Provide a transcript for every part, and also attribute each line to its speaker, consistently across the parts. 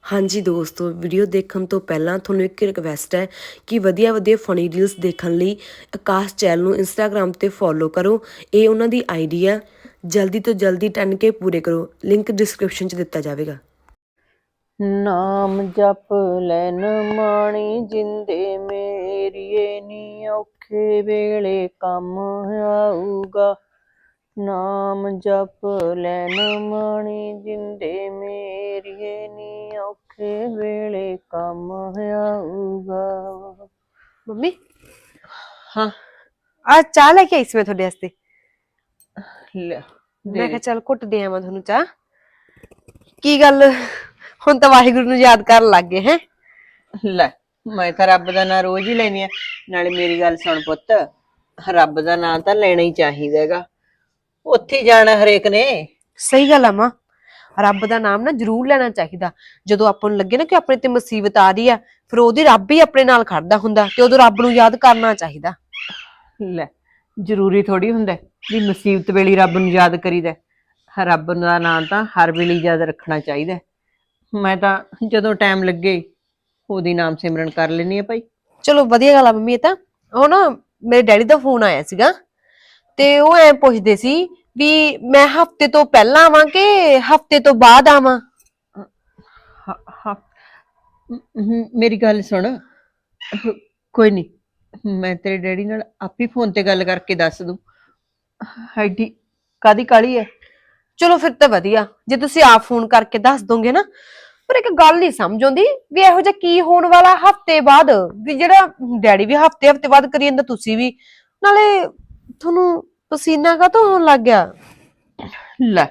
Speaker 1: ਹਾਂਜੀ ਦੋਸਤੋ, ਵੀਡੀਓ ਦੇਖਣ ਤੋਂ ਪਹਿਲਾਂ ਤੁਹਾਨੂੰ ਇੱਕ ਰਿਕਵੈਸਟ ਹੈ ਕਿ ਵਧੀਆ ਫਨੀ ਰੀਲਸ ਦੇਖਣ ਲਈ ਆਕਾਸ਼ ਚੈਨਲ ਨੂੰ ਇੰਸਟਾਗ੍ਰਾਮ ਤੇ ਫੋਲੋ ਕਰੋ। ਇਹ ਉਹਨਾਂ ਦੀ ਆਈਡੀ ਆ। ਜਲਦੀ ਤੋਂ ਜਲਦੀ 10K ਪੂਰੇ ਕਰੋ। ਲਿੰਕ ਡਿਸਕ੍ਰਿਪਸ਼ਨ 'ਚ ਦਿੱਤਾ ਜਾਵੇਗਾ।
Speaker 2: ਨਾਮ ਜਪ ਲੈਨ ਮਾਣੀ ਜਿੰਦੇ ਮੇਰੀਏ ਨੀ ਔਖੇ ਵੇਲੇ ਕੰਮ ਆਊਗਾ। ਨਾਮ ਜਪ ਲੈਨ ਮਾਣੀ ਜਿੰਦੇ ਮੇਰੀਏ ਨੀ ਔਖੇ ਵੇਲੇ ਕੰਮ ਆਊਗਾ।
Speaker 3: ਮੰਮੀ
Speaker 2: ਹਾਂ
Speaker 3: ਆ ਚਾਹ ਲੈ ਕੇ ਆਈ ਸੀ ਮੈਂ ਤੁਹਾਡੇ ਵਾਸਤੇ।
Speaker 2: ਲੈ
Speaker 3: ਮੈਂ ਕਿਹਾ ਚੱਲ ਘੁੱਟ ਦੇ ਆਵਾਂ ਤੁਹਾਨੂੰ ਚਾਹ। ਕੀ ਗੱਲ ਹੁਣ ਤਾਂ ਵਾਹਿਗੁਰੂ ਨੂੰ ਯਾਦ ਕਰਨ ਲੱਗ ਗਏ ਹੈ?
Speaker 2: ਲੈ ਮੈਂ ਤਾਂ ਰੱਬ ਦਾ ਨਾਂ ਰੋਜ਼ ਹੀ ਲੈਣੀ ਆ। ਨਾਲੇ ਮੇਰੀ ਗੱਲ ਸੁਣ ਪੁੱਤ, ਰੱਬ ਦਾ ਨਾਂ ਤਾਂ ਲੈਣਾ ਹੀ ਚਾਹੀਦਾ ਹੈਗਾ। ਉੱਥੇ ਹੀ ਜਾਣਾ ਹਰੇਕ ਨੇ।
Speaker 3: ਸਹੀ ਗੱਲ ਆ ਮਾਂ, ਰੱਬ ਦਾ ਨਾਮ ਨਾ ਜ਼ਰੂਰ ਲੈਣਾ ਚਾਹੀਦਾ। ਜਦੋਂ ਆਪਾਂ ਨੂੰ ਲੱਗੇ ਨਾ ਕਿ ਆਪਣੇ ਤੇ ਮੁਸੀਬਤ ਆ ਰਹੀ ਆ, ਫਿਰ ਉਹਦੀ ਰੱਬ ਹੀ ਆਪਣੇ ਨਾਲ ਖੜਦਾ ਹੁੰਦਾ ਤੇ ਉਦੋਂ ਰੱਬ ਨੂੰ ਯਾਦ ਕਰਨਾ ਚਾਹੀਦਾ।
Speaker 2: ਲੈ ਜ਼ਰੂਰੀ ਥੋੜੀ ਹੁੰਦਾ ਵੀ ਮੁਸੀਬਤ ਵੇਲੇ ਰੱਬ ਨੂੰ ਯਾਦ ਕਰੀਦਾ। ਰੱਬ ਦਾ ਨਾਂ ਤਾਂ ਹਰ ਵੇਲੇ ਯਾਦ ਰੱਖਣਾ ਚਾਹੀਦਾ। ਮੈਂ ਤਾਂ ਜਦੋਂ ਟਾਈਮ ਲੱਗੇ ਉਹਦੀ ਨਾਮ ਸਿਮਰਨ ਕਰ ਲੈਣੀ ਆ ਭਾਈ।
Speaker 3: ਚਲੋ ਵਧੀਆ ਗੱਲ ਆ ਮੰਮੀ। ਇਹ ਤਾਂ ਉਹ ਨਾ ਮੇਰੇ ਡੈਡੀ ਦਾ ਫੋਨ ਆਇਆ ਸੀਗਾ ਤੇ ਉਹ ਐ ਪੁੱਛਦੇ ਸੀ ਵੀ ਮੈਂ ਹਫਤੇ ਤੋਂ ਪਹਿਲਾਂ ਆਵਾਂ ਕਿ ਹਫਤੇ ਤੋਂ ਬਾਅਦ ਆਵਾਂ।
Speaker 2: ਮੇਰੀ ਗੱਲ ਸੁਣ, ਕੋਈ ਨਹੀਂ ਮੈਂ ਤੇਰੇ ਡੈਡੀ ਨਾਲ ਆਪੇ ਫੋਨ ਤੇ ਗੱਲ ਕਰਕੇ ਦੱਸ ਦੂੰ। ਐਡੀ ਕਾਦੀ ਕਾਹਲੀ ਹੈ?
Speaker 3: ਚਲੋ ਫਿਰ ਤਾਂ ਵਧੀਆ ਜੇ ਤੁਸੀਂ ਆਪ ਫੋਨ ਕਰਕੇ ਦੱਸ ਦੋਗੇ ਨਾ। ਪਰ ਇੱਕ ਗੱਲ ਨਹੀਂ ਸਮਝ ਆਉਂਦੀ ਵੀ ਇਹੋ ਜਿਹਾ ਕੀ ਹੋਣ ਵਾਲਾ ਹਫਤੇ ਬਾਅਦ, ਵੀ ਜਿਹੜਾ ਡੈਡੀ ਵੀ ਹਫਤੇ ਬਾਅਦ ਕਰੀ ਜਾਂਦਾ ਤੁਸੀਂ ਵੀ। ਨਾਲੇ ਤੁਹਾਨੂੰ ਪਸੀਨਾ ਕਾਹਤੋਂ ਹੋਣ ਲੱਗ ਗਿਆ?
Speaker 2: ਲੈ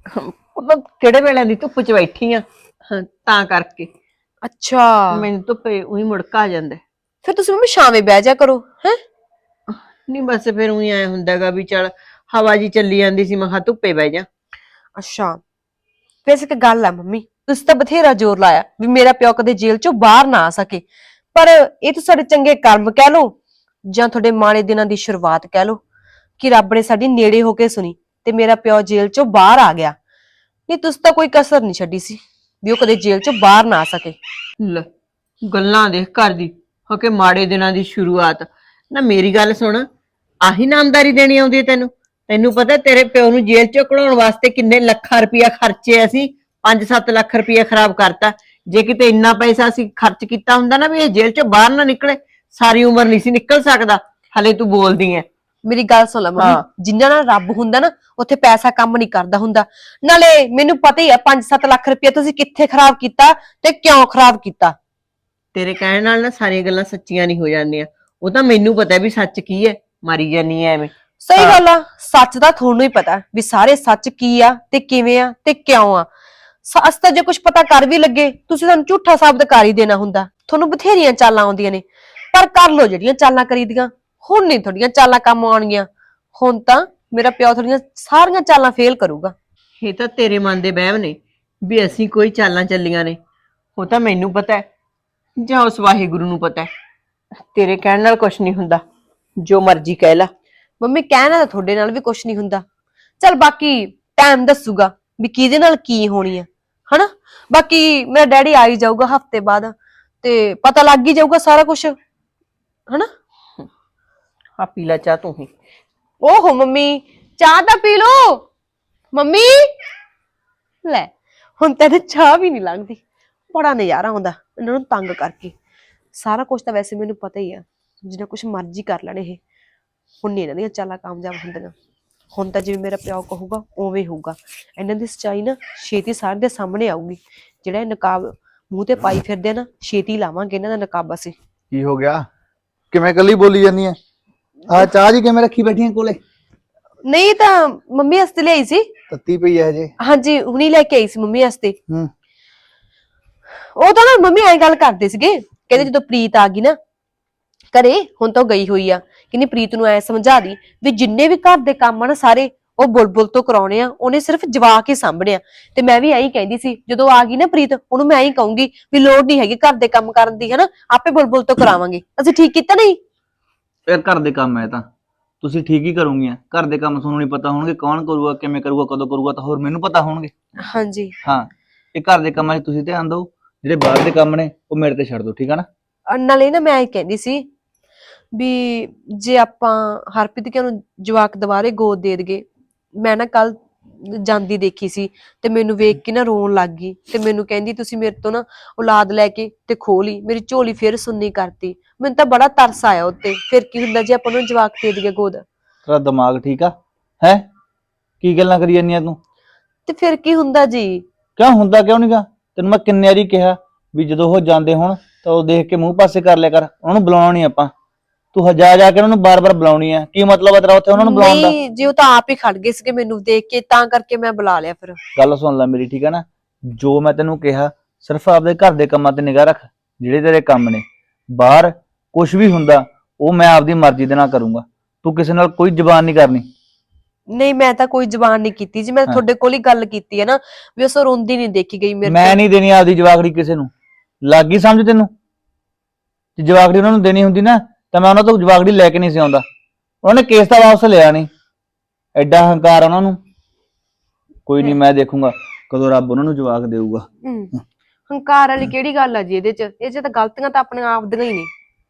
Speaker 2: ਉਹ ਕਿਹੜੇ ਵੇਲੇ ਦੀ ਧੁੱਪ 'ਚ ਬੈਠੀ ਆ ਤਾਂ ਕਰਕੇ
Speaker 3: ਅੱਛਾ,
Speaker 2: ਮੈਨੂੰ ਧੁੱਪੇ ਉਹੀ ਮੁੜਕਾ ਆ ਜਾਂਦਾ।
Speaker 3: ਫਿਰ ਤੁਸੀਂ ਮੰਮੀ ਸ਼ਾਮੇ ਬਹਿ ਜਾ ਕਰੋ ਹੈ।
Speaker 2: ਨਹੀਂ ਬਸ ਫਿਰ ਉਹੀ ਐ ਹੁੰਦਾਗਾ ਵੀ ਚੱਲ ਹਵਾ ਜੀ ਚੱਲੀ ਜਾਂਦੀ ਸੀ, ਮੈਂ ਕਿਹਾ ਧੁੱਪੇ ਬਹਿ ਜਾ।
Speaker 3: ਅੱਛਾ, ਵੈਸੇ ਇੱਕ ਗੱਲ ਆ ਮੰਮੀ, ਤੁਸੀਂ ਤਾਂ ਬਥੇਰਾ ਜ਼ੋਰ ਲਾਇਆ ਵੀ ਮੇਰਾ ਪਿਓ ਕਦੇ ਜੇਲ੍ਹ ਚੋਂ ਬਾਹਰ ਨਾ ਆ ਸਕੇ, ਪਰ ਇਹ ਤਾਂ ਸਾਡੇ ਚੰਗੇ ਕਰਮ ਕਹਿ ਲਓ ਜਾਂ ਤੁਹਾਡੇ ਮਾੜੇ ਦਿਨਾਂ ਦੀ ਸ਼ੁਰੂਆਤ ਕਹਿ ਲਓ ਕਿ ਰੱਬ ਨੇ ਸਾਡੀ ਨੇੜੇ ਹੋ ਕੇ ਸੁਣੀ ਤੇ ਮੇਰਾ ਪਿਓ ਜੇਲ੍ਹ ਚੋਂ ਬਾਹਰ ਆ ਗਿਆ। ਨਹੀਂ ਤੁਸੀਂ ਤਾਂ ਕੋਈ ਕਸਰ ਨਹੀਂ ਛੱਡੀ ਸੀ ਵੀ ਉਹ ਕਦੇ ਜੇਲ੍ਹ ਚੋਂ ਬਾਹਰ ਨਾ ਆ ਸਕੇ।
Speaker 2: ਲੈ ਗੱਲਾਂ ਦੇਖ ਘਰ ਦੀ ਹੋ ਕੇ ਮਾੜੇ ਦਿਨਾਂ ਦੀ ਸ਼ੁਰੂਆਤ। ਨਾ ਮੇਰੀ ਗੱਲ ਸੁਣ, ਆਹੀ ਨਾਮਦਾਰੀ ਦੇਣੀ ਆਉਂਦੀ ਹੈ ਤੈਨੂੰ? ਤੈਨੂੰ ਪਤਾ ਤੇਰੇ ਪਿਓ ਨੂੰ ਜੇਲ੍ਹ ਚੋਂ ਕਢਾਉਣ ਵਾਸਤੇ ਕਿੰਨੇ ਲੱਖਾਂ ਰੁਪਇਆ ਖਰਚੇ? ਅਸੀਂ 5-7 ਲੱਖ ਰੁਪਇਆ ਖਰਾਬ ਕਰਤਾ। ਜੇ ਕਿਤੇ ਇੰਨਾ ਪੈਸਾ ਅਸੀਂ ਖਰਚ ਕੀਤਾ ਹੁੰਦਾ ਨਾ ਵੀ ਇਹ ਜੇਲ੍ਹ ਚੋਂ ਬਾਹਰ ਨਾ ਨਿਕਲੇ, ਸਾਰੀ ਉਮਰ ਨਹੀਂ ਸੀ ਨਿਕਲ ਸਕਦਾ। ਹਲੇ ਤੂੰ ਬੋਲਦੀ ਐ।
Speaker 3: ਮੇਰੀ ਗੱਲ ਸੁਣ ਲੈ ਮੰਮੀ, ਜਿੰਨਾ ਨਾਲ ਰੱਬ ਹੁੰਦਾ ਨਾ ਉੱਥੇ ਪੈਸਾ ਕੰਮ ਨਹੀਂ ਕਰਦਾ ਹੁੰਦਾ। ਨਾਲੇ ਮੈਨੂੰ ਪਤਾ ਹੀ ਆ 5-7 ਲੱਖ ਰੁਪਇਆ ਤੁਸੀਂ ਕਿੱਥੇ ਖਰਾਬ ਕੀਤਾ ਤੇ ਕਿਉਂ ਖਰਾਬ ਕੀਤਾ।
Speaker 2: ਤੇਰੇ ਕਹਿਣ ਨਾਲ ਨਾ ਸਾਰੀਆਂ ਗੱਲਾਂ ਸੱਚੀਆਂ ਨਹੀਂ ਹੋ ਜਾਂਦੀਆਂ। ਉਹ ਤਾਂ ਮੈਨੂੰ ਪਤਾ ਵੀ ਸੱਚ ਕੀ ਹੈ, ਮਾਰੀ ਜਾਨੀ ਐ ਐਵੇਂ।
Speaker 3: ਸਹੀ ਗੱਲ ਆ, ਸੱਚ ਦਾ ਤੁਹਾਨੂੰ ਹੀ ਪਤਾ ਵੀ ਸਾਰੇ ਸੱਚ ਕੀ ਆ ਤੇ ਕਿਵੇਂ ਆ ਤੇ ਕਿਉਂ ਆ। ਸੱਚ ਤਾਂ ਜੇ ਕੁਝ ਪਤਾ ਕਰ ਵੀ ਲੱਗੇ ਤੁਸੀਂ ਸਾਨੂੰ ਝੂਠਾ ਸਾਬਤ ਕਰ ਹੀ ਦੇਣਾ ਹੁੰਦਾ। ਤੁਹਾਨੂੰ ਬਥੇਰੀਆਂ ਚਾਲਾਂ ਆਉਂਦੀਆਂ ਨੇ, ਪਰ ਕਰ ਲੋ ਜਿਹੜੀਆਂ ਚਾਲਾਂ ਕਰੀਦੀਆਂ। ਹੁਣ ਨਹੀਂ ਤੁਹਾਡੀਆਂ ਚਾਲਾਂ ਕੰਮ ਆਉਣਗੀਆਂ। ਹੁਣ ਤਾਂ ਮੇਰਾ ਪਿਓ ਤੁਹਾਡੀਆਂ ਸਾਰੀਆਂ ਚਾਲਾਂ ਫੇਲ ਕਰੂਗਾ।
Speaker 2: ਇਹ ਤਾਂ ਤੇਰੇ ਮਨ ਦੇ ਵਹਿਮ ਨੇ ਵੀ ਅਸੀਂ ਕੋਈ ਚਾਲਾਂ ਚੱਲੀਆਂ ਨੇ। ਉਹ ਤਾਂ ਮੈਨੂੰ ਪਤਾ ਹੈ ਜਾਂ ਉਸ ਵਾਹਿਗੁਰੂ ਨੂੰ ਪਤਾ ਹੈ। ਤੇਰੇ ਕਹਿਣ ਨਾਲ ਕੁਛ ਨਹੀਂ ਹੁੰਦਾ, ਜੋ ਮਰਜ਼ੀ ਕਹਿ ਲਾ।
Speaker 3: ਮੰਮੀ ਕਹਿਣਾ ਤਾਂ ਤੁਹਾਡੇ ਨਾਲ ਵੀ ਕੁਝ ਨਹੀਂ ਹੁੰਦਾ। ਚਲ ਬਾਕੀ ਟਾਈਮ ਦੱਸੂਗਾ ਵੀ ਕਿਹਦੇ ਨਾਲ ਕੀ ਹੋਣੀ ਆ, ਹਨਾ। ਬਾਕੀ ਮੇਰਾ ਡੈਡੀ ਆ ਹੀ ਜਾਊਗਾ ਹਫਤੇ ਬਾਅਦ ਤੇ ਪਤਾ ਲੱਗ ਹੀ ਜਾਊਗਾ ਸਾਰਾ ਕੁਝ, ਹਨਾ।
Speaker 2: ਆ ਪੀ ਲੈ ਚਾਹ ਤੂੰ ਹੀ।
Speaker 3: ਓਹੋ ਮੰਮੀ, ਚਾਹ ਤਾਂ ਪੀ ਲੋ ਮੰਮੀ। ਲੈ ਹੁਣ ਤਾਂ ਚਾਹ ਵੀ ਨਹੀਂ ਲੰਘਦੀ। ਬੜਾ ਨਜ਼ਾਰਾ ਆਉਂਦਾ ਇਹਨਾਂ ਨੂੰ ਤੰਗ ਕਰਕੇ। ਸਾਰਾ ਕੁਝ ਤਾਂ ਵੈਸੇ ਮੈਨੂੰ ਪਤਾ ਹੀ ਆ, ਜਿੰਨਾ ਕੁਝ ਮਰਜ਼ੀ ਕਰ ਲੈਣ ਇਹ। ਹੁਣ ਨਹੀਂ ਇਹਨਾਂ ਦੀਆਂ ਚਾਲਾਂ ਕਾਮਯਾਬ ਹੁੰਦੀਆਂ। ਹੁਣ ਤਾਂ ਜਿਵੇਂ ਮੇਰਾ ਪਿਓ ਕਹੂਗਾ ਉਵੇਂ ਹੋਊਗਾ। ਇਹਨਾਂ ਦੀ ਸੱਚਾਈ ਨਾ ਛੇਤੀ ਸਾਰਿਆਂ ਦੇ ਸਾਹਮਣੇ ਆਊਗੀ। ਜਿਹੜਾ ਇਹ ਨਕਾਬ ਮੂੰਹ ਤੇ ਪਾਈ ਫਿਰਦੇ ਨਾ, ਛੇਤੀ ਲਾਵਾਂਗੇ ਇਹਨਾਂ ਦਾ ਨਕਾਬ ਅਸੀਂ।
Speaker 4: ਕੀ ਹੋ ਗਿਆ? ਕਿਵੇਂ ਕੱਲੀ ਬੋਲੀ ਜਾਂਦੀ ਐ? ਆ ਚਾਹ ਜੀ ਕਿਵੇਂ ਰੱਖੀ ਬੈਠੀਆਂ ਕੋਲੇ?
Speaker 3: ਨਹੀਂ ਤਾਂ ਮੰਮੀ ਵਾਸਤੇ ਲਿਆਈ ਸੀ।
Speaker 4: ਤੱਤੀ ਪਈ ਐ ਹਜੇ?
Speaker 3: ਹਾਂਜੀ ਹੁਣੀ ਲੈ ਕੇ ਆਈ ਸੀ ਮੰਮੀ ਵਾਸਤੇ।
Speaker 4: ਹੂੰ।
Speaker 3: ਉਹ ਤਾਂ ਨਾ ਮੰਮੀ ਐਂ ਗੱਲ ਕਰਦੇ ਸੀਗੇ, ਕਹਿੰਦੇ ਜਦੋਂ ਪ੍ਰੀਤ ਆ ਗਈ ਨਾ ਘਰੇ, ਹੁਣ ਤਾਂ ਉਹ ਗਈ ਹੋਈ ਆ, ਕਹਿੰਦੀ ਪ੍ਰੀਤ ਨੂੰ ਐ ਸਮਝਾ ਦੀ ਵੀ ਜਿੰਨੇ ਵੀ ਘਰ ਦੇ ਕੰਮ ਆ ਨਾ ਸਾਰੇ ਉਹ ਬੁਲਬੁਲ ਤੋਂ ਕਰਾਉਣੇ ਆ, ਉਹਨੇ ਸਿਰਫ ਜਵਾਕ ਹੀ ਸਾਂਭਣੇ ਆ। ਤੇ ਮੈਂ ਵੀ ਐਂ ਕਹਿੰਦੀ ਸੀ ਜਦੋਂ ਆ ਗਈ ਨਾ ਪ੍ਰੀਤ, ਉਹਨੂੰ ਮੈਂ ਐਂ ਕਹੂੰਗੀ ਵੀ ਲੋੜ ਨਹੀਂ ਹੈਗੀ ਘਰ ਦੇ ਕੰਮ ਕਰਨ ਦੀ, ਹਨਾ, ਆਪੇ ਬੁਲਬੁਲ ਤੋਂ ਕਰਾਵਾਂਗੇ। ਅਸੀਂ ਠੀਕ ਕੀਤਾ ਨਹੀਂ?
Speaker 5: ਯਾਰ ਘਰ ਦੇ ਕੰਮ ਹੈ ਤਾਂ ਤੁਸੀਂ ਠੀਕ ਹੀ ਕਰੋਗੀਆਂ। ਘਰ ਦੇ ਕੰਮ ਤੁਹਾਨੂੰ ਨਹੀਂ ਪਤਾ ਹੋਣਗੇ ਕੌਣ ਕਰੂਗਾ, ਕਿਵੇਂ ਕਰੂਗਾ, ਕਦੋਂ ਕਰੂਗਾ, ਤਾਂ ਹੋਰ ਮੈਨੂੰ ਪਤਾ ਹੋਣਗੇ।
Speaker 3: ਹਾਂਜੀ
Speaker 5: ਹਾਂ, ਇਹ ਘਰ ਦੇ ਕੰਮਾਂ 'ਚ ਤੁਸੀਂ ਧਿਆਨ ਦਿਓ ਜਿਹੜੇ ਬਾਹਰ ਦੇ ਕੰਮ ਨੇ ਉਹ ਮੇਰੇ ਤੇ ਛੱਡ ਦਿਓ, ਠੀਕ ਆ ਨਾ?
Speaker 3: ਨਾਲੇ ਨਾ ਮੈਂ ਇਹ ਕਹਿੰਦੀ ਸੀ ਵੀ ਜੇ ਆਪਾਂ ਹਰਪ੍ਰੀਤ ਕੇ ਨੂੰ ਜਵਾਕ ਦੁਬਾਰੇ ਗੋਦ ਦੇ ਦਈਏ। ਮੈਂ ਨਾ ਕੱਲ ਜਾਂਦੀ ਦੇਖੀ ਸੀ ਤੇ ਮੈਨੂੰ ਵੇਖ ਕੇ ਨਾ ਰੋਣ ਲੱਗ ਗਈ ਤੇ ਮੈਨੂੰ ਕਹਿੰਦੀ ਤੁਸੀਂ ਮੇਰੇ ਤੋਂ ਨਾ ਔਲਾਦ ਲੈ ਕੇ ਤੇ ਖੋਹ ਲਈ, ਮੇਰੀ ਝੋਲੀ ਫੇਰ ਸੁੰਨੀ ਕਰਤੀ। ਮੈਨੂੰ ਤਾਂ ਬੜਾ ਤਰਸ ਆਇਆ ਉੱਤੇ। ਫਿਰ ਕੀ ਹੁੰਦਾ ਜੇ ਆਪਾਂ ਨੂੰ ਜਵਾਕ ਦੇ ਦਈਏ ਗੋਦ?
Speaker 5: ਤੇਰਾ ਦਿਮਾਗ ਠੀਕ ਆ ਹੈ? ਕੀ ਗੱਲਾਂ ਕਰੀ ਜਾਂਦੀਆਂ ਤੂੰ?
Speaker 3: ਤੇ ਫਿਰ ਕੀ ਹੁੰਦਾ ਜੀ?
Speaker 5: ਕਿਉਂ ਹੁੰਦਾ ਕਿਉਂ ਨਹੀਂਗਾ? ਤੈਨੂੰ ਮੈਂ ਕਿੰਨੇ ਵਾਰੀ ਕਿਹਾ ਵੀ ਜਦੋਂ ਉਹ ਜਾਂਦੇ ਹੋਣ ਤਾਂ ਉਹ ਦੇਖ ਕੇ ਮੂੰਹ ਪਾਸੇ ਕਰ ਲਿਆ ਕਰ, ਉਹਨਾਂ ਨੂੰ ਬੁਲਾਉਣਾ ਨਹੀਂ ਆਪਾਂ। ਤੂੰ ਹਜਾ ਜਾ ਕੇ ਉਹਨਾਂ ਨੂੰ ਬਾਰ-ਬਾਰ ਬੁਲਾਉਣੀ ਆ, ਕੀ ਮਤਲਬ ਆ ਤੇਰਾ ਉੱਥੇ ਉਹਨਾਂ ਨੂੰ ਬੁਲਾਉਣ ਦਾ?
Speaker 3: ਨਹੀਂ ਜੀ, ਉਹ ਤਾਂ ਆਪ ਹੀ ਖੜ ਗਏ ਸੀਗੇ ਮੈਨੂੰ ਦੇਖ ਕੇ, ਤਾਂ ਕਰਕੇ ਮੈਂ ਬੁਲਾ ਲਿਆ ਫਿਰ।
Speaker 5: ਗੱਲ ਸੁਣ ਲੈ ਮੇਰੀ, ਠੀਕ ਆ ਨਾ? ਜੋ ਮੈਂ ਤੈਨੂੰ ਕਿਹਾ ਸਿਰਫ ਆਪਦੇ ਘਰ ਦੇ ਕੰਮਾਂ ਤੇ ਨਿਗਾਹ ਰੱਖ, ਜਿਹੜੇ ਤੇਰੇ ਕੰਮ ਨੇ। ਬਾਹਰ ਕੁਝ ਵੀ ਹੁੰਦਾ ਉਹ ਮੈਂ ਆਪਦੀ ਮਰਜ਼ੀ ਦੇ ਨਾਲ ਕਰੂੰਗਾ, ਤੂੰ ਕਿਸੇ ਨਾਲ ਕੋਈ ਜ਼ਬਾਨ ਨਹੀਂ ਕਰਨੀ।
Speaker 3: ਨਹੀਂ ਮੈਂ ਤਾਂ ਕੋਈ ਜ਼ਬਾਨ ਨਹੀਂ ਕੀਤੀ ਜੀ, ਮੈਂ ਤੁਹਾਡੇ ਕੋਲ ਹੀ ਗੱਲ ਕੀਤੀ ਹੈ ਨਾ ਵੀ ਉਸ ਰੋਂਦੀ ਨਹੀਂ ਦੇਖੀ ਗਈ ਮੇਰੇ
Speaker 5: ਮੈਂ
Speaker 3: ਤੋਂ।
Speaker 5: ਨਹੀਂ ਦੇਣੀ ਆਪਦੀ ਜਵਾਕੜੀ ਕਿਸੇ ਨੂੰ, ਲੱਗ ਗਈ ਸਮਝ ਤੈਨੂੰ? ਜੇ ਜਵਾਕੜੀ ਉਹਨਾਂ ਨੂੰ ਦੇਣੀ ਹੁੰਦੀ ਨਾ ਤਾਂ ਮੈਂ ਉਹਨਾਂ ਤੋਂ ਜਵਾਕੜੀ ਲੈ ਕੇ ਨਹੀਂ ਸੀ ਆਉਂਦਾ। ਉਹਨਾਂ ਨੇ ਕੇਸ ਤਾਂ ਵਾਪਸ ਲਿਆ ਨਹੀਂ, ਐਡਾ ਹੰਕਾਰ ਉਹਨਾਂ ਨੂੰ। ਕੋਈ ਨਹੀਂ, ਮੈਂ ਦੇਖੂੰਗਾ ਕਦੋਂ ਰੱਬ ਉਹਨਾਂ ਨੂੰ ਜਵਾਕ ਦੇਊਗਾ।
Speaker 3: ਹੰਕਾਰ ਵਾਲੀ ਕਿਹੜੀ ਗੱਲ ਆ ਜੀ ਇਹਦੇ ਚ? ਇਹ ਚ ਤਾਂ ਗਲਤੀਆਂ ਤਾਂ ਆਪਣੇ ਆਪ ਦੀਆਂ ਹੀ ਨੇ।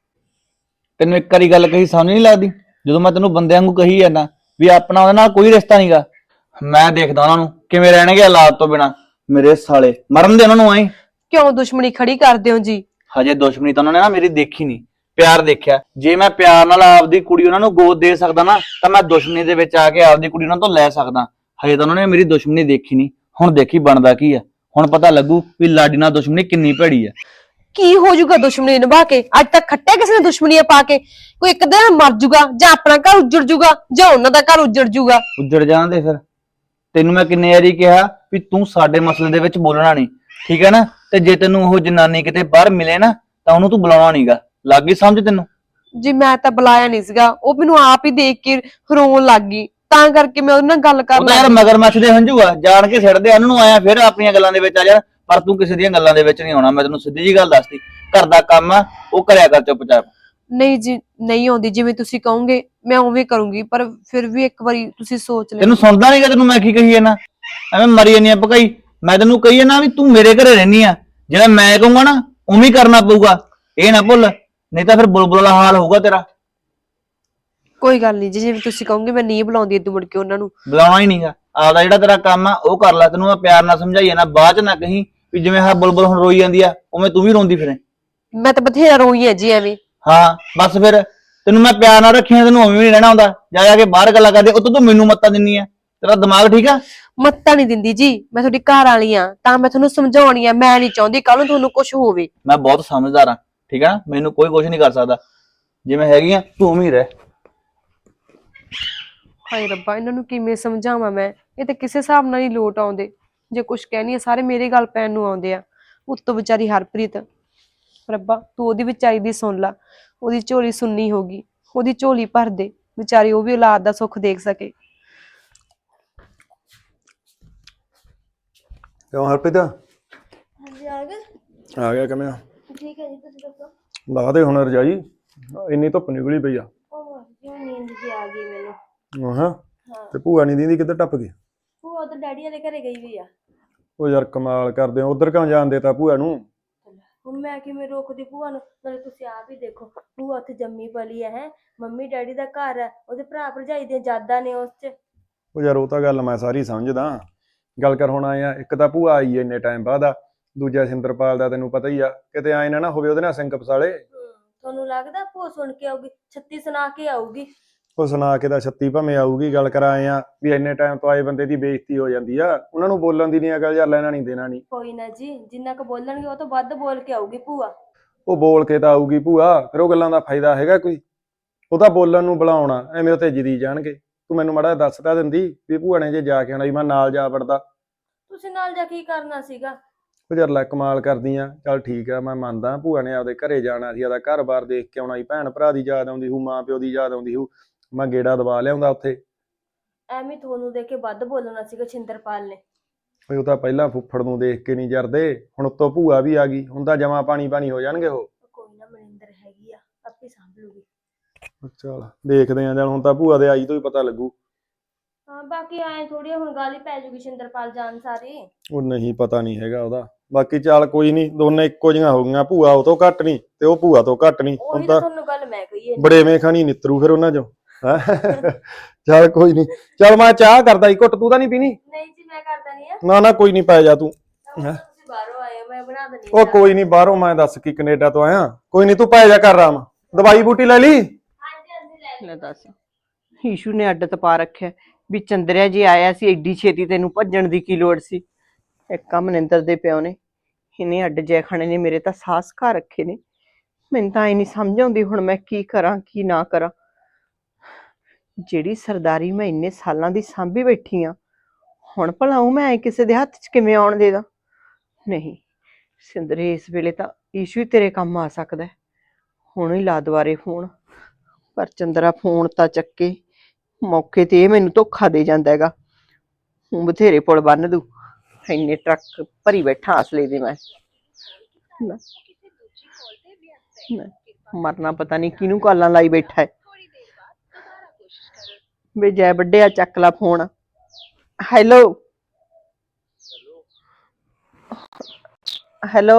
Speaker 5: ਤੈਨੂੰ ਇੱਕ ਵਾਰੀ ਗੱਲ ਕਹੀ ਸਮਝ ਨਹੀਂ ਲੱਗਦੀ? ਜਦੋਂ ਮੈਂ ਤੈਨੂੰ ਬੰਦਿਆਂ ਵਾਂਗੂ ਕਹੀ ਜਾਂਦਾ ਵੀ ਆਪਣਾ ਉਹਦੇ ਨਾਲ ਕੋਈ ਰਿਸ਼ਤਾ ਨਹੀਂਗਾ। ਮੈਂ ਦੇਖਦਾ ਉਹਨਾਂ ਨੂੰ ਕਿਵੇਂ ਰਹਿਣਗੇ ਔਲਾਦ ਤੋਂ ਬਿਨਾ। ਮੇਰੇ ਸਾਲੇ ਮਰਨ ਦੇ ਉਹਨਾਂ ਨੂੰ ਆਏ।
Speaker 3: ਕਿਉਂ ਦੁਸ਼ਮਣੀ ਖੜੀ ਕਰਦੇ ਹੋ ਜੀ?
Speaker 5: ਹਜੇ ਦੁਸ਼ਮਣੀ ਤਾਂ ਉਹਨਾਂ ਨੇ ਨਾ ਮੇਰੀ ਦੇਖੀ ਨਹੀਂ, ਪਿਆਰ ਦੇਖਿਆ। ਜੇ ਮੈਂ ਪਿਆਰ ਨਾਲ ਆਪਦੀ ਕੁੜੀ ਉਹਨਾਂ ਨੂੰ ਗੋਦ ਦੇ ਸਕਦਾ ਨਾ ਤਾਂ ਮੈਂ ਦੁਸ਼ਮਣੀ ਦੇ ਵਿੱਚ ਆ ਕੇ ਆਪਦੀ ਕੁੜੀ ਉਹਨਾਂ ਤੋਂ ਲੈ ਸਕਦਾ। ਹਜੇ ਤਾਂ ਉਹਨਾਂ ਨੇ ਮੇਰੀ ਦੁਸ਼ਮਣੀ ਦੇਖੀ ਨਹੀਂ। ਹੁਣ ਦੇਖੀ ਬਣਦਾ ਕੀ ਆ, ਹੁਣ ਪਤਾ ਲੱਗੂ ਵੀ ਲਾਡੀ ਨਾਲ ਦੁਸ਼ਮਣੀ ਕਿੰਨੀ ਭੈੜੀ ਆ।
Speaker 3: ਕੀ ਹੋ ਜਾਊਗਾ ਦੁਸ਼ਮਣੀ ਨਿਭਾ ਕੇ? ਅੱਜ ਤੱਕ ਖੱਟਿਆ ਕਿਸੇ ਨੇ ਦੁਸ਼ਮਣੀਆਂ ਪਾ ਕੇ? ਕੋਈ ਇੱਕ ਦਿਨ ਮਰ ਜਾਊਗਾ, ਜਾਂ ਆਪਣਾ ਘਰ ਉੱਜੜ ਜਾਊਗਾ ਜਾਂ ਉਹਨਾਂ ਦਾ ਘਰ ਉੱਜੜ ਜਾਊਗਾ।
Speaker 5: ਉੱਜੜ ਜਾਂਦੇ ਫਿਰ। ਤੈਨੂੰ ਮੈਂ ਕਿੰਨੇ ਵਾਰੀ ਕਿਹਾ ਵੀ ਤੂੰ ਸਾਡੇ ਮਸਲੇ ਦੇ ਵਿੱਚ ਬੋਲਣਾ ਨਹੀਂ, ਠੀਕ ਹੈ ਨਾ? ਤੇ ਜੇ ਤੈਨੂੰ ਉਹ ਜਨਾਨੀ ਕਿਤੇ ਬਾਹਰ ਮਿਲੇ ਨਾ ਤਾਂ ਉਹਨੂੰ ਤੂੰ ਬੁਲਾਉਣਾ ਨਹੀਂਗਾ, ਲੱਗ ਗਈ ਸਮਝ ਤੈਨੂੰ?
Speaker 3: ਜੀ ਮੈਂ ਤਾਂ ਬੁਲਾਇਆ ਨਹੀਂ ਸੀਗਾ, ਉਹ ਮੈਨੂੰ ਆਪ ਹੀ ਦੇਖ ਕੇ ਰੋਣ ਲੱਗ ਗਈ, ਤਾਂ ਕਰਕੇ ਮੈਂ ਉਹਦੇ ਨਾਲ ਗੱਲ ਕਰ
Speaker 5: ਉਹ ਤਾਂ ਯਾਰ ਮਗਰਮੱਛ ਦੇ ਹੰਝੂ ਆ, ਜਾਣ ਕੇ ਸਿੱਟਦੇ ਉਹਨਾਂ ਨੂੰ ਆਇਆ ਫਿਰ ਆਪਣੀਆਂ ਗੱਲਾਂ ਦੇ ਵਿੱਚ ਆ ਜਾ। ਪਰ ਤੂੰ ਕਿਸੇ ਦੀਆਂ ਗੱਲਾਂ ਦੇ ਵਿੱਚ ਨਹੀਂ ਆਉਣਾ, ਮੈਂ ਤੈਨੂੰ ਸਿੱਧੀ ਜੀ ਗੱਲ ਦੱਸਦੀ। ਘਰ ਦਾ ਕੰਮ ਆ ਉਹ ਕਰਿਆ ਕਰ ਚੁੱਪਚਾਪ।
Speaker 3: ਨਹੀਂ ਜੀ ਨਹੀਂ ਆਉਂਦੀ, ਜਿਵੇਂ ਤੁਸੀਂ ਕਹੋਗੇ ਮੈਂ ਉਵੇਂ ਕਰੂੰਗੀ, ਪਰ ਫਿਰ ਵੀ ਇੱਕ ਵਾਰੀ ਤੁਸੀਂ ਸੋਚ ਲਿਓ।
Speaker 5: ਤੈਨੂੰ ਸੁਣਦਾ ਨਹੀਂਗਾ? ਤੈਨੂੰ ਮੈਂ ਕੀ ਕਹੀ ਜਾਂਦਾ? ਐਵੇਂ ਮਰੀ ਜਾਂਦੀ ਆ ਭਕਾਈ। ਮੈਂ ਤੈਨੂੰ ਕਹੀ ਜਾਂਦਾ ਵੀ ਤੂੰ ਮੇਰੇ ਘਰੇ ਰਹਿਨੀ ਆ, ਜਿਹੜਾ ਮੈਂ ਕਹੂੰਗਾ ਨਾ ਉਵੇਂ ਹੀ ਕਰਨਾ ਪਊਗਾ, ਇਹ ਨਾ ਭੁੱਲ, ਨਹੀਂ ਤਾਂ ਫਿਰ ਬੁਲਬੁਲ ਵਾਲਾ ਹਾਲ ਹੋਊਗਾ ਤੇਰਾ।
Speaker 3: ਕੋਈ ਗੱਲ ਨਹੀਂ ਜੀ, ਜਿਵੇਂ ਤੁਸੀਂ ਕਹੋਗੇ ਮੈਂ ਨਹੀਂ ਬੁਲਾਉਂਦੀ ਇਦੋਂ ਮੁੜ ਕੇ ਉਹਨਾਂ ਨੂੰ।
Speaker 5: ਬੁਲਾਉਣਾ ਹੀ ਨਹੀਂਗਾ, ਆਪਦਾ ਜਿਹੜਾ ਤੇਰਾ ਕੰਮ ਆ ਉਹ ਕਰ ਲੈ। ਤੈਨੂੰ ਮੈਂ ਪਿਆਰ ਨਾਲ ਸਮਝਾਈ ਨਾ, ਬਾਅਦ ਚ ਨਾ ਕਹੀਂ ਵੀ ਜਿਵੇਂ ਆਹ ਬੁਲਬੁਲ ਹੁਣ ਰੋਈ ਜਾਂਦੀ ਆ ਉਵੇਂ ਤੂੰ ਵੀ ਰੋਂਦੀ ਫਿਰੇ।
Speaker 3: ਮੈਂ ਤਾਂ ਬਥੇਰਾ ਰੋਈ ਆ ਜੀ ਐਵੇਂ।
Speaker 5: ਹਾਂ ਬਸ ਫਿਰ, ਤੈਨੂੰ ਮੈਂ ਪਿਆਰ ਨਾਲ ਰੱਖਿਆ, ਤੈਨੂੰ ਉਵੇਂ ਵੀ ਨਹੀਂ ਰਹਿਣਾ ਹੁੰਦਾ। ਜਾ ਜਾ ਕੇ ਬਾਹਰ ਗੱਲਾਂ ਕਰਦੇ, ਉੱਤੋਂ ਤੂੰ ਮੈਨੂੰ ਮੱਤਾਂ ਦਿੰਨੀ ਆ। ਤੇਰਾ ਦਿਮਾਗ ਠੀਕ ਆ?
Speaker 3: ਮੱਤਾਂ ਨਹੀਂ ਦਿੰਦੀ ਜੀ, ਮੈਂ ਤੁਹਾਡੀ ਘਰ ਵਾਲੀ ਆ, ਤਾਂ ਮੈਂ ਤੁਹਾਨੂੰ ਸਮਝਾਉਣੀ ਆ। ਮੈਂ ਨਹੀਂ ਚਾਹੁੰਦੀ ਕੱਲ ਨੂੰ ਤੁਹਾਨੂੰ ਕੁਝ ਹੋਵੇ।
Speaker 5: ਮੈਂ ਬਹੁਤ ਸਮਝਦਾਰ ਆ, ਠੀਕ ਆ ਨਾ? ਮੈਨੂੰ ਕੋਈ ਕੁਝ ਨਹੀਂ ਕਰ ਸਕਦਾ। ਜਿਵੇਂ ਹੈਗੀ ਆ ਤੂੰ ਉਵੇਂ ਹੀ ਰਹਿ।
Speaker 3: ਹਾਏ ਰੱਬਾ, ਇਹਨਾਂ ਨੂੰ ਕਿਵੇਂ ਸਮਝਾਵਾਂ ਮੈਂ? ਇਹ ਤਾਂ ਕਿਸੇ ਹਿਸਾਬ ਨਾਲ ਹੀ ਲੋਟ ਆਉਂਦੇ। ਜੇ ਕੁਝ ਕਹਿਣੀ ਆ ਸਾਰੇ ਮੇਰੇ ਗੱਲ ਪੈਣ ਨੂੰ ਆਉਂਦੇ ਆ। ਉੱਤੋਂ ਵਿਚਾਰੀ ਹਰਪ੍ਰੀਤ, ਰੱਬਾ ਤੂੰ ਉਹਦੀ ਵਿਚਾਰੀ ਦੀ ਸੁਣ ਲਾ। ਉਹਦੀ ਝੋਲੀ ਸੁੰਨੀ ਹੋ ਗਈ, ਉਹਦੀ ਝੋਲੀ ਭਰ ਦੇ ਵਿਚਾਰੀ, ਉਹ ਵੀ ਔਲਾਦ ਦਾ ਸੁੱਖ ਦੇਖ ਸਕੇ।
Speaker 6: ਕਿਉਂ ਹਰਪ੍ਰੀਤ?
Speaker 7: ਹਾਂਜੀ
Speaker 6: ਆ ਗਿਆ ਕਿਵੇਂ?
Speaker 7: ਠੀਕ ਹੈ ਜੀ, ਤੁਸੀਂ ਦੱਸੋ।
Speaker 6: ਲਾ ਦੇ ਹੁਣ ਰਜਾਈ, ਇੰਨੀ ਧੁੱਪ ਨਿਕਲੀ ਪਈ ਆ।
Speaker 7: ਉਹ ਜਿਵੇਂ ਨੀਂਦ ਜੀ ਆ ਗਈ ਮੈਨੂੰ।
Speaker 6: ਹਾਂ ਤੇ ਭੂਆ ਨਹੀਂ ਦੀਦੀ ਕਿੱਧਰ ਟੱਪ ਗਈ?
Speaker 7: ਉਹ ਤਾਂ ਡੈਡੀ ਵਾਲੇ ਘਰੇ ਗਈ ਹੋਈ ਆ।
Speaker 6: ਉਹ ਯਾਰ ਕਮਾਲ ਕਰਦੇ ਹੋ, ਉਧਰ ਕਿਉਂ ਜਾਣ ਦੇਤਾ ਭੂਆ ਨੂੰ?
Speaker 7: ਹੁਣ ਮੈਂ ਕਿਵੇਂ ਰੋਕਦੀ ਭੂਆ ਨੂੰ? ਨਾਲੇ ਤੁਸੀਂ ਆਪ ਹੀ ਦੇਖੋ, ਭੂਆ ਉੱਥੇ ਜੰਮੀ ਪਲੀ ਹੈ। ਮੰਮੀ ਡੈਡੀ ਦਾ ਘਰ ਹੈ, ਉਹਦੇ ਭਰਾ ਭਰਜਾਈ ਦੀਆਂ ਯਾਦਾਂ ਨੇ ਉਸ 'ਚ।
Speaker 6: ਉਹ ਯਾਰ ਉਹ ਤਾਂ ਗੱਲ ਮੈਂ ਸਾਰੀ ਸਮਝਦਾ, ਗੱਲ ਕਰ ਹੁਣ ਆਏ ਆ। ਇੱਕ ਤਾਂ ਭੂਆ ਆਈ ਇੰਨੇ ਟਾਈਮ ਬਾਅਦ ਆ, ਦੂਜਾ ਸਿੰਦਰਪਾਲ ਦਾ ਤੈਨੂੰ ਪਤਾ ਹੀ ਆ, ਕਿਤੇ ਆਏ ਨਾ ਹੋਵੇ ਉਹਦੇ ਨਾਲ ਸਿੰਘ ਪਸਾਲੇ।
Speaker 7: ਤੁਹਾਨੂੰ ਲੱਗਦਾ ਭੂਆ ਸੁਣ ਕੇ ਆਊਗੀ? ਛੱਤੀ ਸੁਣਾ ਕੇ ਆਊਗੀ।
Speaker 6: ਉਹ ਸੁਣਾ ਕੇ ਤਾਂ 36 ਭਾਵੇਂ ਆਊਗੀ। ਗੱਲ ਕਰ ਆਏ ਆ ਵੀ ਇੰਨੇ ਟਾਈਮ ਤੋਂ ਆਏ ਬੰਦੇ ਦੀ ਬੇਇੱਜ਼ਤੀ ਹੋ ਜਾਂਦੀ ਆ, ਉਹਨਾਂ ਨੂੰ ਬੋਲਣ ਦੀ ਨਹੀਂ ਅਕਲ, ਯਾਰ ਲੈਣਾ ਨਹੀਂ ਦੇਣਾ ਨਹੀਂ।
Speaker 7: ਕੋਈ ਨਾ ਜੀ, ਜਿੰਨਾ ਕੁ ਬੋਲਣਗੇ ਉਹ ਤੋਂ ਵੱਧ ਬੋਲ ਕੇ ਆਊਗੀ ਭੂਆ।
Speaker 6: ਉਹ ਬੋਲ ਕੇ ਤਾਂ ਆਊਗੀ ਭੂਆ, ਫਿਰ ਉਹ ਗੱਲਾਂ ਦਾ ਫਾਇਦਾ ਹੈਗਾ ਕੋਈ? ਉਹ ਤਾਂ ਬੋਲਣ ਨੂੰ ਬੁਲਾਉਣਾ, ਐਵੇਂ ਉੱਥੇ ਜਿੱਦੀ ਜਾਣਗੇ। ਤੂੰ ਮੈਨੂੰ ਮਾੜਾ ਦੱਸ ਤਾਂ ਦਿੰਦੀ ਵੀ ਭੂਆ ਨੇ ਜੇ ਜਾ ਕੇ ਆਉਣਾ, ਵੀ ਮੈਂ ਨਾਲ ਜਾ ਵੜਦਾ।
Speaker 7: ਤੁਸੀਂ ਨਾਲ ਜਾ ਕੀ ਕਰਨਾ ਸੀਗਾ?
Speaker 6: ਉਹ ਯਾਰ ਲੈ ਕਮਾਲ ਕਰਦੀ ਆ। ਚੱਲ ਠੀਕ ਆ, ਮੈਂ ਮੰਨਦਾ ਭੂਆ ਨੇ ਆਪਦੇ ਘਰੇ ਜਾਣਾ ਸੀ, ਆਪਦਾ ਘਰ-ਬਾਰ ਦੇਖ ਕੇ ਆਉਣਾ ਸੀ, ਭੈਣ ਭਰਾ ਦੀ ਯਾਦ ਆਉਂਦੀ ਹੋਊ, ਮਾਂ ਪਿਓ ਦੀ ਯਾਦ ਆਉਂਦੀ ਹੋਊ, ਮੈਂ ਗੇੜਾ ਦਬਾ ਲਿਆਉਂਦਾ ਉੱਥੇ।
Speaker 7: ਐਵੇਂ ਤੁਹਾਨੂੰ ਦੇਖ ਕੇ ਵੱਧ ਬੋਲਣਾ ਸੀਗਾ ਛਿੰਦਰਪਾਲ ਨੇ।
Speaker 6: ਉਹ ਤਾਂ ਪਹਿਲਾਂ ਫੁੱਫੜ ਨੂੰ ਦੇਖ ਕੇ ਨਹੀਂ ਜਰਦੇ, ਹੁਣ ਉੱਤੋਂ ਭੂਆ ਵੀ ਆ ਗਈ, ਹੁਣ ਤਾਂ ਜਮਾ ਪਾਣੀ ਹੋ ਜਾਣਗੇ ਉਹ।
Speaker 7: ਕੋਈ ਨਾ, ਮਨਿੰਦਰ ਹੈਗੀ ਆ, ਆਪੇ ਸਾਂਭ ਲੂਗੀ।
Speaker 6: ਚੱਲ ਦੇਖਦੇ ਆ, ਚੱਲ ਹੁਣ ਤਾਂ ਭੂਆ ਦੇ ਆਈ ਤੋਂ ਹੀ ਪਤਾ ਲੱਗੂ।
Speaker 7: ਹਾਂ ਬਾਕੀ ਐ ਥੋੜੀ ਹੁਣ ਗੱਲ ਹੀ ਪੈ ਜੂਗੀ ਛਿੰਦਰਪਾਲ ਜਾਣ ਸਾਰੀ।
Speaker 6: ਉਹ ਨਹੀਂ, ਪਤਾ ਨਹੀਂ ਹੈਗਾ ਉਹਦਾ, ਬਾਕੀ ਚੱਲ ਕੋਈ ਨਹੀਂ, ਦੋਨੇ ਇੱਕੋ ਜਿਹੀਆਂ ਹੋ ਗਈਆਂ, ਭੂਆ ਉਹ ਤੋਂ ਘੱਟ ਨਹੀਂ ਤੇ ਉਹ ਭੂਆ ਤੋਂ ਘੱਟ ਨਹੀਂ। ਹੁਣ
Speaker 7: ਉਹੀ ਤਾਂ
Speaker 6: ਤਾਂ
Speaker 7: ਤੁਹਾਨੂੰ ਗੱਲ ਮੈਂ ਕਹੀ ਹੈ
Speaker 6: ਬੜੇਵੇਂ ਖਾਣੀ ਨਿੱਤਰੂ ਫਿਰ ਉਹਨਾਂ ਚੋਂ। ਚੱਲ ਕੋਈ ਨਹੀਂ, ਚੱਲ ਮੈਂ ਚਾਹ ਕਰਦਾ ਹੀ ਘੁੱਟ, ਤੂੰ ਤਾਂ ਨਹੀਂ ਪੀਣੀ?
Speaker 7: ਨਹੀਂ ਜੀ ਮੈਂ ਕਰਦਾ ਨਹੀਂ ਆ
Speaker 6: ਨਾ ਨਾ ਕੋਈ ਨਹੀਂ, ਪੈ ਜਾ ਤੂੰ।
Speaker 7: ਤੁਸੀਂ ਬਾਹਰੋਂ ਆਏ ਹੋ, ਮੈਂ ਬਣਾ ਦਿੰਦੀ
Speaker 6: ਉਹ ਕੋਈ ਨਹੀਂ, ਬਾਹਰੋਂ ਮੈਂ ਦੱਸ ਕੀ ਕੈਨੇਡਾ ਤੋਂ ਆਇਆ, ਕੋਈ ਨਹੀਂ ਤੂੰ ਪੈ ਜਾ ਕਰ ਆਰਾਮ। ਦਵਾਈ ਬੂਟੀ ਲੈ ਲਈ?
Speaker 7: ਹਾਂਜੀ ਹਾਂਜੀ ਲੈ
Speaker 2: ਲੈ ਦੱਸ, ਈਸ਼ੂ ਨੇ ਅੱਡ ਤਪਾ ਰੱਖਿਆ ਵੀ ਚੰਦਰਿਆ ਜੀ ਆਇਆ ਸੀ, ਐਡੀ ਛੇਤੀ ਤੈਨੂੰ ਭੱਜਣ ਦੀ ਕੀ ਲੋੜ ਸੀ। ਇੱਕ ਮਨਿੰਦਰ ਦੇ ਪਿਓ ਨੇ, ਇਹਨੇ ਅੱਡ ਜੈ ਖਾਣੇ ਨੇ ਮੇਰੇ ਤਾਂ ਸਾਹਸ ਘਾ ਰੱਖੇ ਨੇ। ਮੈਨੂੰ ਤਾਂ ਇਹ ਨਹੀਂ ਸਮਝ ਆਉਂਦੀ ਹੁਣ ਮੈਂ ਕੀ ਕਰਾਂ ਕੀ ਨਾ ਕਰਾਂ। ਜਿਹੜੀ ਸਰਦਾਰੀ ਮੈਂ ਇੰਨੇ ਸਾਲਾਂ ਦੀ ਸਾਂਭੀ ਬੈਠੀ ਆ, ਹੁਣ ਭਲਾ ਉਹ ਮੈਂ ਕਿਸੇ ਦੇ ਹੱਥ 'ਚ ਕਿਵੇਂ ਆਉਣ ਦੇ ਦਾਂ? ਨਹੀਂ ਸਿੰਦਰੇ, ਇਸ ਵੇਲੇ ਤਾਂ ਈਸ਼ੂ ਹੀ ਤੇਰੇ ਕੰਮ ਆ ਸਕਦਾ। ਹੁਣ ਹੀ ਲਾ ਦੁਬਾਰੇ ਫੋਨ, ਪਰ ਚੰਦਰਾ ਫੋਨ ਤਾਂ ਚੱਕੇ, ਮੌਕੇ ਤੇ ਇਹ ਮੈਨੂੰ ਧੋਖਾ ਦੇ ਜਾਂਦਾ ਹੈਗਾ। ਹੁਣ ਬਥੇਰੇ ਪੁਲ ਬੰਨ ਦੂ, ਇੰਨੇ ਟਰੱਕ ਭਰੀ ਬੈਠਾ ਅਸਲੇ ਦੇ ਮੈਂ। ਲੈ, ਮਰਨਾ ਪਤਾ ਨਹੀਂ ਕਿਹਨੂੰ ਕਾਲਾਂ ਲਾਈ ਬੈਠਾ ਹੈ। ਵੇ ਜੈ ਵੱਡਿਆ, ਚੱਕ ਲਾ ਫੋਨ। ਹੈਲੋ ਹੈਲੋ,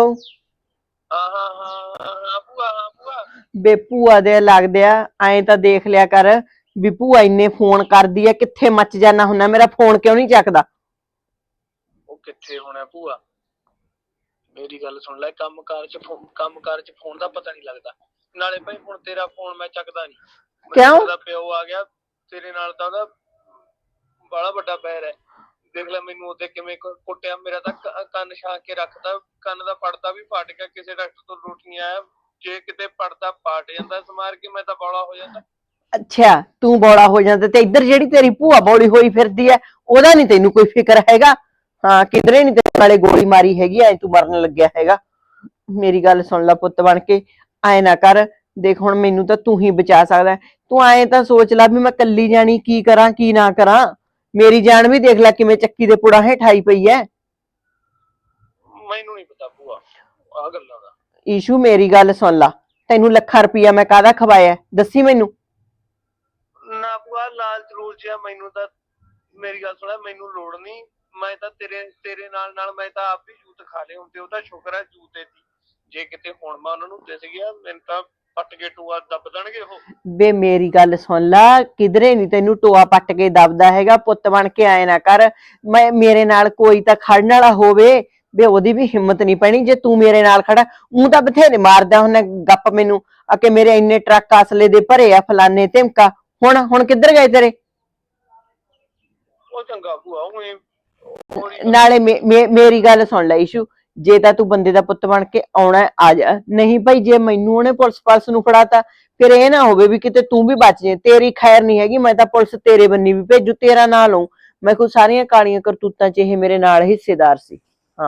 Speaker 2: ਬੇ ਭੂਆ ਦੇ ਲੱਗਦੇ ਆ, ਐਂ ਤਾਂ ਦੇਖ ਲਿਆ ਕਰ ਵੀ ਭੂਆ ਇੰਨੇ ਫੋਨ ਕਰਦੀ ਆ, ਕਿੱਥੇ ਮੱਚ ਜਾਣਾ ਹੁੰਦਾ, ਮੇਰਾ ਫੋਨ ਕਿਉਂ ਨਹੀਂ ਚੱਕਦਾ?
Speaker 8: ਉਹ ਕਿੱਥੇ ਹੋਣਾ ਭੂਆ, ਮੇਰੀ ਗੱਲ ਸੁਣ ਲੈ, ਕੰਮਕਾਰ ਚ ਫੋਨ ਦਾ ਪਤਾ ਨਹੀਂ ਲੱਗਦਾ। ਨਾਲੇ ਭਾਈ ਹੁਣ ਤੇਰਾ ਫੋਨ ਮੈਂ ਚੱਕਦਾ ਨਹੀਂ।
Speaker 2: ਕਿਉਂ?
Speaker 8: ਉਹਦਾ ਪਿਓ ਆ ਗਿਆ, ਤੇਰੇ ਨਾਲ ਤਾਂ ਉਹਦਾ ਬੜਾ ਵੱਡਾ ਪੈਰ ਹੈ। ਦੇਖ ਲੈ ਮੈਨੂੰ ਉਹਦੇ ਕਿਵੇਂ ਕੁੱਟਿਆ, ਮੇਰਾ ਤਾਂ ਕੰਨ ਛਾਂਕ ਕੇ ਰੱਖਦਾ, ਕੰਨ ਦਾ ਪੜਦਾ ਵੀ ਫਟ ਗਿਆ, ਕਿਸੇ ਡਾਕਟਰ ਤੋਂ ਰੁੱਟ ਨਹੀਂ ਆਇਆ। ਜੇ ਕਿਤੇ ਪੜਦਾ ਪਾਟ ਜਾਂਦਾ ਸਮਾਰ ਕੇ, ਮੈਂ ਤਾਂ ਬੌਲਾ ਹੋ ਜਾਂਦਾ।
Speaker 2: ਅੱਛਾ, ਤੂੰ ਬੌਲਾ ਹੋ ਜਾਂਦਾ, ਤੇ ਇੱਧਰ ਜਿਹੜੀ ਤੇਰੀ ਭੂਆ ਬੌਲੀ ਹੋਈ ਫਿਰਦੀ ਐ, ਉਹਦਾ ਨਹੀਂ ਤੈਨੂੰ ਕੋਈ ਫਿਕਰ ਹੈਗਾ? ਹਾਂ, ਕਿਧਰੇ ਨਹੀਂ ਤੇਰੇ ਨਾਲੇ ਗੋਲੀ ਮਾਰੀ ਹੈਗੀ, ਐ ਤੂੰ ਮਰਨ ਲੱਗਿਆ ਹੈਗਾ। ਮੇਰੀ ਗੱਲ ਸੁਣ ਲੈ ਪੁੱਤ ਬਣ ਕੇ, ਐ ਨਾ ਕਰ। ਦੇਖ ਹੁਣ ਮੈਨੂੰ ਤਾਂ ਤੂੰ ਹੀ ਬਚਾ ਸਕਦਾ। ਤੂੰ ਐ ਤਾਂ ਸੋਚ ਲੈ ਵੀ ਮੈਂ ਕੱਲੀ ਜਾਣੀ ਕੀ ਕਰਾਂ ਕੀ ਨਾ ਕਰਾਂ। ਮੇਰੀ ਜਾਨ ਵੀ ਦੇਖ ਲੈ ਕਿਵੇਂ ਚੱਕੀ ਦੇ ਪੁੜਾ ਹੇਠਾਈ ਪਈ ਐ।
Speaker 8: ਮੈਨੂੰ ਨਹੀਂ ਪਤਾ ਭੂਆ ਆਹ ਗੱਲਾਂ ਦਾ।
Speaker 2: ਈਸ਼ੂ ਮੇਰੀ ਗੱਲ ਸੁਣ ਲਾ, ਤੈਨੂੰ ਲੱਖਾਂ ਰੁਪਈਆ ਮੈਂ ਕਾਹਦਾ ਖਵਾਇਆ, ਦੱਸੀ ਮੈਨੂੰ।
Speaker 8: ਨਾ ਭੂਆ, ਲਾਲਚ ਰੂਲਚ ਆ ਮੈਨੂੰ ਤਾਂ। ਮੇਰੀ ਗੱਲ ਸੁਣ, ਮੈਨੂੰ ਲੋੜ ਨਹੀਂ। ਮੈਂ ਤਾਂ ਤੇਰੇ ਨਾਲ ਮੈਂ ਤਾਂ ਆਪ ਵੀ ਜੂਤ ਖਾ ਲਏ ਹੁੰਦੇ। ਉਹਦਾ ਸ਼ੁਕਰ ਹੈ ਜੂਤੇ ਦੀ, ਜੇ ਕਿਤੇ ਹੁਣ ਮੈਂ ਉਹਨਾਂ ਨੂੰ ਦਿਸ ਗਿਆ, ਮੈਨੂੰ ਤਾਂ ਪੱਟ ਕੇ ਟੂਆ ਦੱਬ ਦੇਣਗੇ ਉਹ।
Speaker 2: ਵੇ ਮੇਰੀ ਗੱਲ ਸੁਣ ਲਾ, ਕਿਧਰੇ ਨਹੀਂ ਤੈਨੂੰ ਟੋਆ ਪੱਟ ਕੇ ਦੱਬਦਾ ਹੈਗਾ। ਪੁੱਤ ਬਣ ਕੇ ਆਏ ਨਾ ਕਰ। ਮੇਰੇ ਨਾਲ ਕੋਈ ਤਾਂ ਖੜਨ ਵਾਲਾ ਹੋਵੇ, ਵੇ ਉਹਦੀ ਵੀ ਹਿੰਮਤ ਨਹੀਂ ਪੈਣੀ ਜੇ ਤੂੰ ਮੇਰੇ ਨਾਲ ਖੜਾ। ਊਂ ਤਾਂ ਬਥੇਰੇ ਮਾਰਦਾ ਹੁੰਦਾ ਗੱਪ ਮੈਨੂੰ, ਆ ਕੇ ਮੇਰੇ ਇੰਨੇ ਟਰੱਕ ਅਸਲੇ ਦੇ ਭਰੇ ਆ, ਫਲਾਨੇ ਧਮਕਾ। ਹੁਣ ਕਿੱਧਰ ਗਏ ਤੇਰੇ?
Speaker 8: ਉਹ ਚੰਗਾ ਭੂਆ,
Speaker 2: ਨਾਲੇ ਮੇਰੀ ਗੱਲ ਸੁਣ ਲੈ ਈਸ਼ੂ, ਜੇ ਤਾਂ ਤੂੰ ਬੰਦੇ ਦਾ ਪੁੱਤ ਬਣ ਕੇ ਆਉਣਾ ਆ ਜਾ, ਨਹੀਂ ਭਾਈ ਜੇ ਮੈਨੂੰ ਉਹਨੇ ਪੁਲਿਸ ਨੂੰ ਫੜਾਤਾ, ਫਿਰ ਇਹ ਨਾ ਹੋਵੇ ਵੀ ਕਿਤੇ ਤੂੰ ਵੀ ਬਚ ਜੇ। ਤੇਰੀ ਖੈਰ ਨਹੀਂ ਹੈਗੀ, ਮੈਂ ਤਾਂ ਪੁਲਿਸ ਤੇਰੇ ਬੰਨੀ ਵੀ ਭੇਜੂ, ਤੇਰਾ ਨਾਂ ਲਊ ਮੈਂ। ਕੋਈ ਸਾਰੀਆਂ ਕਾਲੀਆਂ ਕਰਤੂਤਾਂ ਚ ਇਹ ਮੇਰੇ ਨਾਲ ਹਿੱਸੇਦਾਰ ਸੀ। ਹਾਂ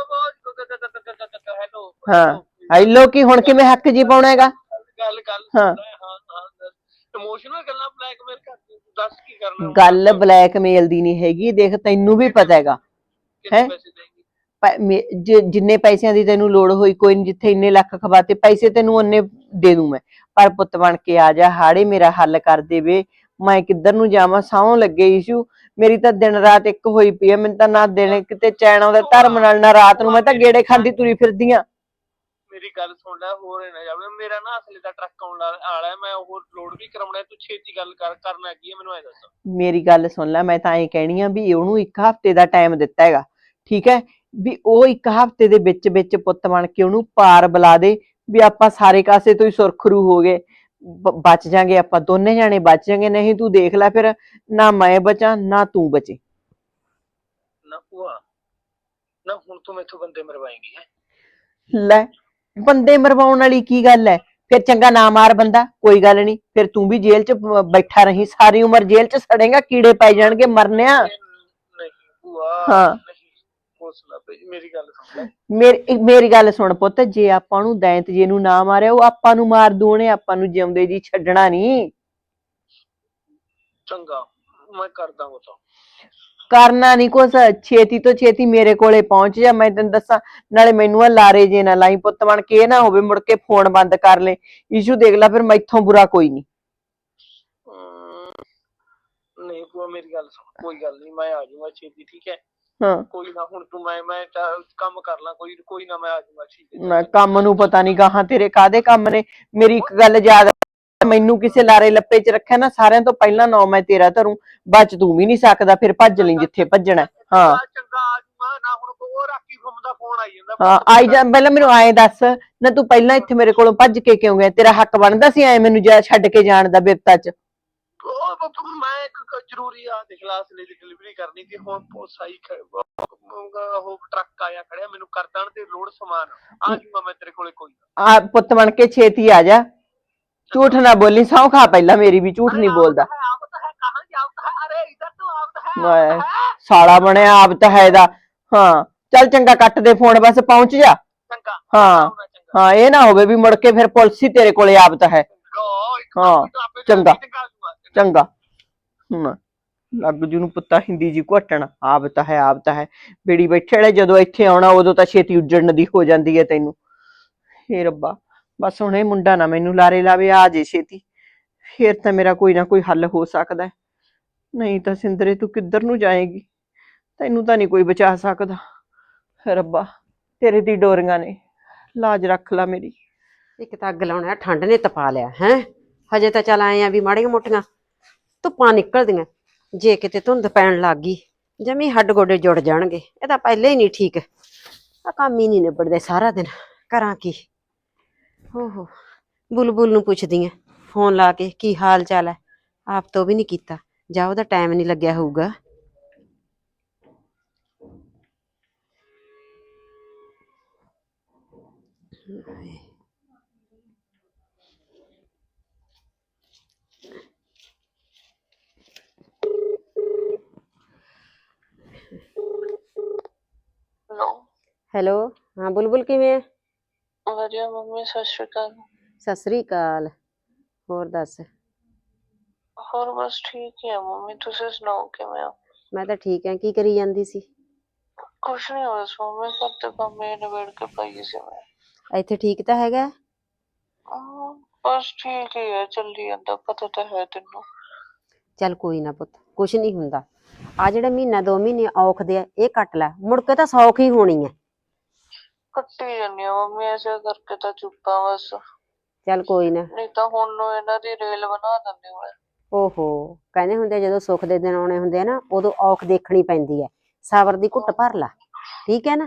Speaker 2: ਹਾਂ, ਹੈਲੋ, ਕੀ ਹੁਣ ਕਿਵੇਂ ਹੱਕ ਜੀ ਪਾਉਣਾ ਹੈਗਾ? ਹਾਂ,
Speaker 8: ਇਮੋਸ਼ਨਲ ਗੱਲਾਂ ਬਲੈਕਮੇਲ ਕਰਦੀ, ਦੱਸ ਕੀ ਕਰਨਾ?
Speaker 2: ਗੱਲ ਬਲੈਕਮੇਲ ਦੀ ਨਹੀਂ ਹੈਗੀ, ਦੇਖ ਤੈਨੂੰ ਵੀ ਪਤਾ ਹੈਗਾ ਹੈ। ਜਿੰਨੇ ਪੈਸਿਆਂ ਦੀ ਤੈਨੂੰ ਲੋੜ ਹੋਈ, ਕੋਈ ਨੀ, ਜਿੱਥੇ ਇੰਨੇ ਲੱਖ ਖਵਾਤੇ ਪੈਸੇ ਤੈਨੂੰ ਉਹਨੇ ਦੇ ਦੂੰ ਮੈਂ। ਪਰ ਪੁੱਤ ਬਣ ਕੇ ਆ ਜਾ, ਹਾੜੇ ਮੇਰਾ ਹੱਲ ਕਰ ਦੇਵੇ। ਮੈਂ ਕਿੱਧਰ ਨੂੰ ਜਾਵਾਂ, ਸਹੁੰ ਲੱਗੇ ਈਸ਼ੂ, ਮੇਰੀ ਤਾਂ ਦਿਨ ਰਾਤ ਇੱਕ ਹੋਈ ਪਈ ਆ। ਮੈਨੂੰ ਤਾਂ ਨਾ ਦਿਨ ਕਿਤੇ ਚੈਨ ਆਉਂਦਾ ਧਰਮ ਨਾਲ, ਨਾ ਰਾਤ ਨੂੰ। ਮੈਂ ਤਾਂ ਗੇੜੇ ਖਾਂਦੀ ਤੁਰੀ ਫਿਰਦੀ ਆ।
Speaker 8: ਮੇਰੀ ਗੱਲ ਸੁਣ ਲੈ, ਹੋਰ ਨਾ ਜਾਵੇ। ਮੇਰਾ ਨਾ ਅਸਲੇ ਦਾ ਟਰੱਕ ਆਉਣ ਵਾਲਾ, ਮੈਂ ਉਹ ਲੋਡ ਵੀ ਕਰਾਉਣਾ। ਤੂੰ ਛੇਤੀ ਗੱਲ ਕਰਨਾ ਕੀ ਹੈ ਮੈਨੂੰ ਐ ਦੱਸ।
Speaker 2: ਮੇਰੀ ਗੱਲ ਸੁਣ ਲੈ, ਮੈਂ ਤਾਂ ਐਂ ਕਹਿਣੀ ਆ ਵੀ ਉਹਨੂੰ 1 ਹਫ਼ਤੇ ਦਾ ਟਾਈਮ ਦਿੱਤਾ ਹੈਗਾ, ਠੀਕ ਹੈ? ਵੀ ਉਹ 1 ਹਫ਼ਤੇ ਦੇ ਵਿੱਚ ਪੁੱਤ ਬਣ ਕੇ ਉਹਨੂੰ ਪਾਰ ਬੁਲਾ ਦੇ, ਵੀ ਆਪਾਂ ਸਾਰੇ ਕਾਸੇ ਤੋਂ ਹੀ ਸੁਰਖਰੂ ਹੋ ਗਏ, ਬਚ ਜਾਾਂਗੇ ਆਪਾਂ, ਦੋਨੇ ਜਾਣੇ ਬਚ ਜਾਾਂਗੇ। ਨਹੀਂ ਤੂੰ ਦੇਖ ਲੈ ਫਿਰ, ਨਾ ਮੈਂ ਬਚਾਂ ਨਾ ਤੂੰ ਬਚੇ।
Speaker 8: ਨਾ ਭੂਆ, ਨਾ ਹੁਣ ਤੂੰ ਮੈਥੋਂ ਬੰਦੇ ਮਰਵਾਏਂਗੀ ਹੈ?
Speaker 2: ਲੈ, ਬੰਦੇ ਮਰਵਾਉਣ ਵਾਲੀ ਕੀ ਗੱਲ ਹੈ? ਫਿਰ ਚੰਗਾ ਨਾ ਮਾਰ ਬੰਦਾ, ਕੋਈ ਗੱਲ ਨਹੀਂ। ਫਿਰ ਤੂੰ ਵੀ ਜੇਲ੍ਹ 'ਚ ਬੈਠਾ ਰਹੀ, ਸਾਰੀ ਉਮਰ ਜੇਲ੍ਹ 'ਚ ਸੜੇਗਾ, ਕੀੜੇ ਪਾਈ ਜਾਣਗੇ, ਮਰਨਿਆ।
Speaker 8: ਨਹੀਂ ਭੂਆ,
Speaker 2: ਹਾਂ,
Speaker 8: ਮੇਰੀ ਗੱਲ ਸੁਣ ਲੈ।
Speaker 2: ਮੇਰੀ ਗੱਲ ਸੁਣ ਪੁੱਤ, ਜੇ ਆਪਾਂ ਨੂੰ ਦੈਂਤ ਜੇ ਨੂੰ ਨਾ ਮਾਰਿਆ, ਉਹ ਆਪਾਂ ਨੂੰ ਮਾਰ ਦੂ, ਉਹਨੇ ਆਪਾਂ ਨੂੰ ਜਿਉਂਦੇ ਜੀ ਛੱਡਣਾ ਨੀ।
Speaker 8: ਚੰਗਾ, ਮੈਂ ਕਰਦਾ ਉਹ ਤਾਂ।
Speaker 2: ਕਰਨਾ ਨੀ ਕੁਛ, ਛੇਤੀ ਤੋਂ ਛੇਤੀ ਮੇਰੇ ਕੋਲੇ ਪਹੁੰਚ ਜਾ, ਮੈਂ ਤੈਨੂੰ ਦੱਸਾਂ। ਨਾਲੇ ਮੈਨੂੰ ਆ ਲਾਰੇ ਜੇ ਨਾ ਲਾਈ ਪੁੱਤ ਬਣ ਕੇ, ਇਹ ਨਾ ਹੋਵੇ ਮੁੜ ਕੇ ਫੋਨ ਬੰਦ ਕਰ ਲੈ। ਈਸ਼ੂ ਦੇਖ ਲੈ, ਫਿਰ ਮੈਥੋਂ ਬੁਰਾ ਕੋਈ ਨੀ।
Speaker 8: ਨਹੀਂ ਭੂਆ, ਮੇਰੀ ਗੱਲ ਸੁਣ, ਕੋਈ ਗੱਲ ਨਹੀਂ, ਮੈਂ ਆ ਜਾਊਂਗਾ ਛੇਤੀ, ਠੀਕ ਹੈ?
Speaker 2: ਹਾਂ
Speaker 8: ਕੋਈ ਨਾ ਹੁਣ ਤੂੰ ਮੈਂ ਕੰਮ ਕਰ ਲਾਂ, ਕੋਈ ਕੋਈ ਨਾ, ਮੈਂ ਆ ਜਾਊਂਗਾ, ਠੀਕ ਹੈ।
Speaker 2: ਮੈਂ ਕੰਮ ਨੂੰ ਪਤਾ ਨਹੀਂ ਗਾਹਾਂ ਤੇਰੇ ਕਾਹਦੇ ਕੰਮ ਨੇ। ਮੇਰੀ ਇੱਕ ਗੱਲ ਯਾਦ ਆ, ਮੈਨੂੰ ਕਿਸੇ ਲਾਰੇ ਲੱਪੇ 'ਚ ਰੱਖਿਆ ਨਾ, ਸਾਰਿਆਂ ਤੋਂ ਪਹਿਲਾਂ ਨਾਂ ਮੈਂ ਤੇਰਾ ਧਰੂੰ। ਬਚ ਤੂੰ ਵੀ ਨਹੀਂ ਸਕਦਾ, ਫਿਰ ਭੱਜ ਲਈ ਜਿੱਥੇ ਭੱਜਣਾ। ਹਾਂ
Speaker 8: ਚੰਗਾ ਆ ਜਾਊਂਗਾ ਨਾ, ਹੁਣ ਉਹ ਰਾਕੀ ਫੋਨ ਦਾ ਫੋਨ ਆਈ ਜਾਂਦਾ।
Speaker 2: ਹਾਂ ਆਈ ਜਾ, ਪਹਿਲਾਂ ਮੈਨੂੰ ਆਏ ਦੱਸ ਨਾ, ਤੂੰ ਪਹਿਲਾਂ ਇੱਥੇ ਮੇਰੇ ਕੋਲੋਂ ਭੱਜ ਕੇ ਕਿਉਂ ਗਿਆ? ਤੇਰਾ ਹੱਕ ਬਣਦਾ ਸੀ ਐ ਮੈਨੂੰ ਛੱਡ ਕੇ ਜਾਣ ਦਾ ਬਿਪਤਾ 'ਚ?
Speaker 8: ਮੈਂ ਇੱਕ ਜ਼ਰੂਰੀ ਆ ਦੇਖ ਲਾ, ਅਸਲੇ ਦੀ ਡਿਲੀਵਰੀ ਕਰਨੀ ਸੀ। ਹੁਣ ਸਾਈ ਉਹ ਟਰੱਕ ਆਇਆ ਖੜਿਆ, ਮੈਨੂੰ ਕਰ ਦੇਣ ਤੇ ਲੋਡ ਸਮਾਨ ਆ ਜਾਊਂਗਾ ਮੈਂ ਤੇਰੇ ਕੋਲੇ, ਕੋਈ ਨਾ।
Speaker 2: ਆ ਪੁੱਤ ਬਣ ਕੇ ਛੇਤੀ ਆ ਜਾ, ਝੂਠ ਨਾ ਬੋਲੀ, ਸਹੁੰ ਖਾ ਪਹਿਲਾਂ ਮੇਰੀ ਵੀ, ਝੂਠ ਨਹੀਂ ਬੋਲਦਾ। ਸਾਲਾ ਬਣਿਆ ਆਪ ਤਾਂ ਹੈ ਦਾ। ਹਾਂ ਚੱਲ ਚੰਗਾ, ਕੱਟ ਦੇ ਫੋਨ, ਬਸ ਪਹੁੰਚ ਜਾ। ਹਾਂ ਹਾਂ, ਇਹ ਨਾ ਹੋਵੇ ਵੀ ਮੁੜ ਕੇ ਫਿਰ ਪੁਲਿਸ ਹੀ ਤੇਰੇ ਕੋਲੇ ਆਪ ਹੈ। ਹਾਂ ਚੰਗਾ ਚੰਗਾ। ਹੁਣ ਲੱਗ ਜੂ ਨੂੰ ਪੁੱਤਾ ਹਿੰਦੀ ਜੀ ਘਟਣ, ਆਪ ਹੈ ਬੇੜੀ ਬੈਠੇ ਵਾਲੇ, ਜਦੋਂ ਇੱਥੇ ਆਉਣਾ ਉਦੋਂ ਤਾਂ ਛੇਤੀ ਉੱਜੜਨ ਦੀ ਹੋ ਜਾਂਦੀ ਹੈ ਤੈਨੂੰ। ਹੇ ਰੱਬਾ, ਬਸ ਹੁਣ ਇਹ ਮੁੰਡਾ ਨਾ ਮੈਨੂੰ ਲਾਰੇ ਲਾਵੇ, ਆ ਜੇ ਛੇਤੀ, ਫੇਰ ਤਾਂ ਮੇਰਾ ਕੋਈ ਨਾ ਕੋਈ ਹੱਲ ਹੋ ਸਕਦਾ। ਨਹੀਂ ਤਾਂ ਸਿੰਦਰੇ ਤੂੰ ਕਿੱਧਰ ਨੂੰ ਜਾਏਗੀ, ਤੈਨੂੰ ਤਾਂ ਨਹੀਂ ਕੋਈ ਬਚਾ ਸਕਦਾ। ਰੱਬਾ ਤੇਰੇ ਦੀ ਡੋਰੀਆਂ ਨੇ, ਲਾਜ ਰੱਖ ਲਾ ਮੇਰੀ।
Speaker 9: ਇੱਕ ਤਾਂ ਅੱਗ ਲਾਉਣਾ, ਠੰਡ ਨੇ ਤਪਾ ਲਿਆ ਹੈ। ਹਜੇ ਤਾਂ ਚੱਲ ਆਏ ਆ ਵੀ ਮਾੜੀਆਂ ਮੋਟੀਆਂ ਧੁੱਪਾਂ ਨਿਕਲਦੀਆਂ, ਜੇ ਕਿਤੇ ਧੁੰਦ ਪੈਣ ਲੱਗ ਗਈ ਜਮੀ ਹੱਡ ਗੋਡੇ ਜੁੜ ਜਾਣਗੇ। ਇਹ ਤਾਂ ਪਹਿਲੇ ਹੀ ਨਹੀਂ ਠੀਕ, ਆ ਕੰਮ ਹੀ ਨਹੀਂ ਨਿਬੜਦੇ ਸਾਰਾ ਦਿਨ, ਕਰਾਂ ਕੀ। ਓਹੋ ਬੁਲਬੁਲ ਨੂੰ ਪੁੱਛਦੀ ਆ ਫੋਨ ਲਾ ਕੇ ਕੀ ਹਾਲ ਚਾਲ ਹੈ, ਆਪ ਤੋਂ ਵੀ ਨਹੀਂ ਕੀਤਾ, ਜਾਂ ਉਹਦਾ ਟਾਈਮ ਨਹੀਂ ਲੱਗਿਆ ਹੋਊਗਾ।
Speaker 8: ਹੈਲੋ
Speaker 9: ਹੈਲੋ, ਹਾਂ ਬੁਲਬੁਲ ਕਿਵੇਂ ਹੈ?
Speaker 8: ਵਧੀਆ ਮੰਮੀ, ਸਤਿ ਸ਼੍ਰੀ ਅਕਾਲ।
Speaker 9: ਸਤਿ ਸ੍ਰੀ ਅਕਾਲ, ਹੋਰ ਦੱਸ?
Speaker 8: ਹੋਰ ਬਸ ਠੀਕ ਹੀ ਆ ਮੰਮੀ, ਤੁਸੀਂ ਸੁਣਾਓ ਕਿਵੇਂ ਹੋ?
Speaker 9: ਮੈਂ ਤਾਂ ਠੀਕ ਹਾਂ, ਕੀ ਕਰੀ ਜਾਂਦੀ ਸੀ?
Speaker 8: ਕੁਛ ਨਹੀਂ ਹੋਇਆ ਸੋ, ਮੈਂ ਘਰ ਦੇ ਕੰਮ ਇਹ ਨਿਬੇੜ ਕੇ ਪਾਈ ਸੀ ਮੈਂ।
Speaker 9: ਇੱਥੇ ਠੀਕ ਤਾਂ ਹੈਗਾ?
Speaker 8: ਬਸ ਠੀਕ ਹੀ ਹੈ, ਚੱਲੀ ਜਾਂਦਾ, ਪਤਾ ਤਾਂ ਹੈ ਤੈਨੂੰ।
Speaker 9: ਚੱਲ ਕੋਈ ਨਾ ਪੁੱਤ, ਕੁਛ ਨਹੀਂ ਹੁੰਦਾ। ਆ ਜਿਹੜੇ ਮਹੀਨਾ 2 ਮਹੀਨੇ ਔਖਦੇ ਆ, ਇਹ ਕੱਟ ਲੈ, ਮੁੜ ਕੇ ਤਾਂ ਸੌਖ ਹੀ ਹੋਣੀ ਹੈ।
Speaker 8: ਕੱਟੀ ਜਾਂਦੀ ਆ ਮੰਮੀ, ਐਸੇ ਕਰਕੇ ਤਾਂ ਚੁੱਪਾਂ ਬਸ।
Speaker 9: ਚੱਲ ਕੋਈ ਨਾ।
Speaker 8: ਨਹੀਂ ਤਾਂ ਹੁਣ ਨੂੰ ਇਹਨਾਂ ਦੀ ਰੇਲ ਬਣਾ ਦਿੰਦੇ ਹੋਣੇ।
Speaker 9: ਓਹੋ, ਕਹਿੰਦੇ ਹੁੰਦੇ ਜਦੋਂ ਸੁੱਖ ਦੇ ਦਿਨ ਆਉਣੇ ਹੁੰਦੇ ਆ ਨਾ, ਉਦੋਂ ਔਖ ਦੇਖਣੀ ਪੈਂਦੀ ਹੈ। ਸਬਰ ਦੀ ਘੁੱਟ ਭਰ ਲਾ, ਠੀਕ ਹੈ ਨਾ?